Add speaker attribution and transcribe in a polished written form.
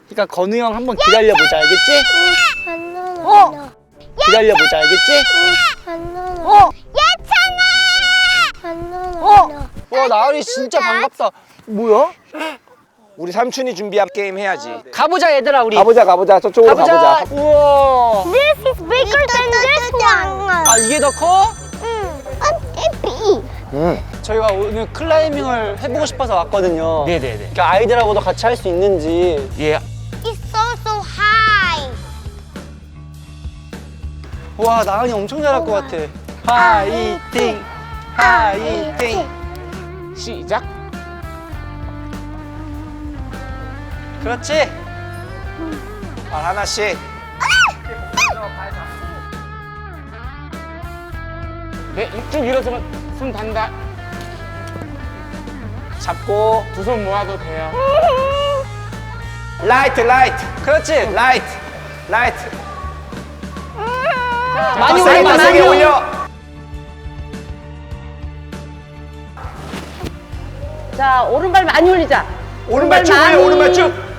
Speaker 1: 그러니까 건우 형 한번 기다려보자, 알겠지? 기다려보자, 알겠지? 와, 나은이 진짜 반갑다. 뭐야?
Speaker 2: 우리 삼촌이 준비한 게임 해야지.
Speaker 1: 가보자, 얘들아, 우리.
Speaker 2: 가보자. 저쪽으로 가보자.
Speaker 1: 우와.
Speaker 3: This is bigger than this one.
Speaker 1: 아, 이게 더 커?
Speaker 2: 응.
Speaker 1: 저희가 오늘 클라이밍을 해보고 싶어서 왔거든요.
Speaker 4: 네네네.
Speaker 1: 그러니까 아이들하고도 같이 할 수 있는지.
Speaker 4: 예.
Speaker 3: It's so high.
Speaker 1: 와, 나은이 엄청 잘할 것 같아. 화이팅! 화이팅!
Speaker 4: 시작.
Speaker 1: 그렇지?
Speaker 2: 발 하나씩.
Speaker 4: 네, 쭉 일어서면 손 단다.
Speaker 2: 잡고.
Speaker 4: 두 손 모아도 돼요.
Speaker 2: 라이트.
Speaker 1: 그렇지?
Speaker 2: 라이트.
Speaker 1: 많이
Speaker 2: 세게,
Speaker 1: 올려,
Speaker 2: 세게
Speaker 1: 많이 올려.
Speaker 2: 올려.
Speaker 5: 자, 오른발 많이 올리자.
Speaker 2: 오른발 쭉 올려, 오른발 쭉.